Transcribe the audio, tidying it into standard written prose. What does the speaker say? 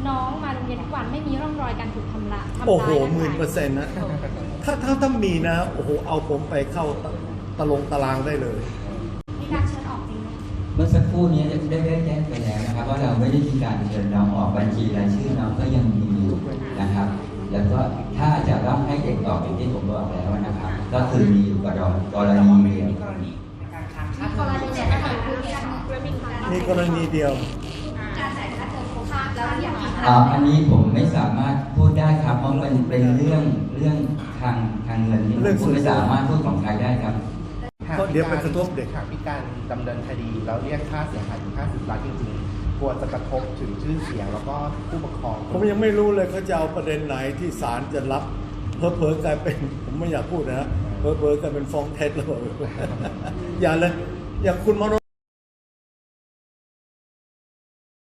น้องมาโรงเรียนทุกวันไม่มีร่องรอยการถูกทำร้ายโอ้โห10,000%นะถ้ามีนะโอ้โหเอาผมไปเข้าตารางได้เลยมีการเชิญออกจริงไหมเมื่อสักครู่นี้ได้แจ้งไปแล้วนะครับว่าเราไม่ได้มีการเชิญน้องออกบัญชีรายชื่อน้องก็ยังมีอยู่นะครับ แล้วก็ถ้าจะต้องให้เด็กออกอย่างที่ผมบอกแล้วนะครับ ก็คือมีอยู่กรณีเดียวกรณีเนี่ยนะคะคือมีการมีกรณีเดียวการจ่ายค่าเทอมครบแล้วอย่างอีกอันนี้ผมไม่สามารถพูดได้ครับเพราะมันเป็นเรื่องทางเงินที่ผมไม่สามารถพูดของใครได้ครับเพราะเดี๋ยวไปกระทบเด็กหากมีการดำเนินคดีแล้วเรียกค่าเสียหายถึง50 ล้านจริงๆกลัวจะกระทบถึงชื่อเสียงแล้วก็ผู้ปกครองผมยังไม่รู้เลยเขาจะเอาประเด็นไหนที่ศาลจะรับเผลอๆกลายเป็นผมไม่อยากพูดนะเผลอๆกลายเป็นฟ้องเท็จแล้วอย่าเลยอย่างคุณมโน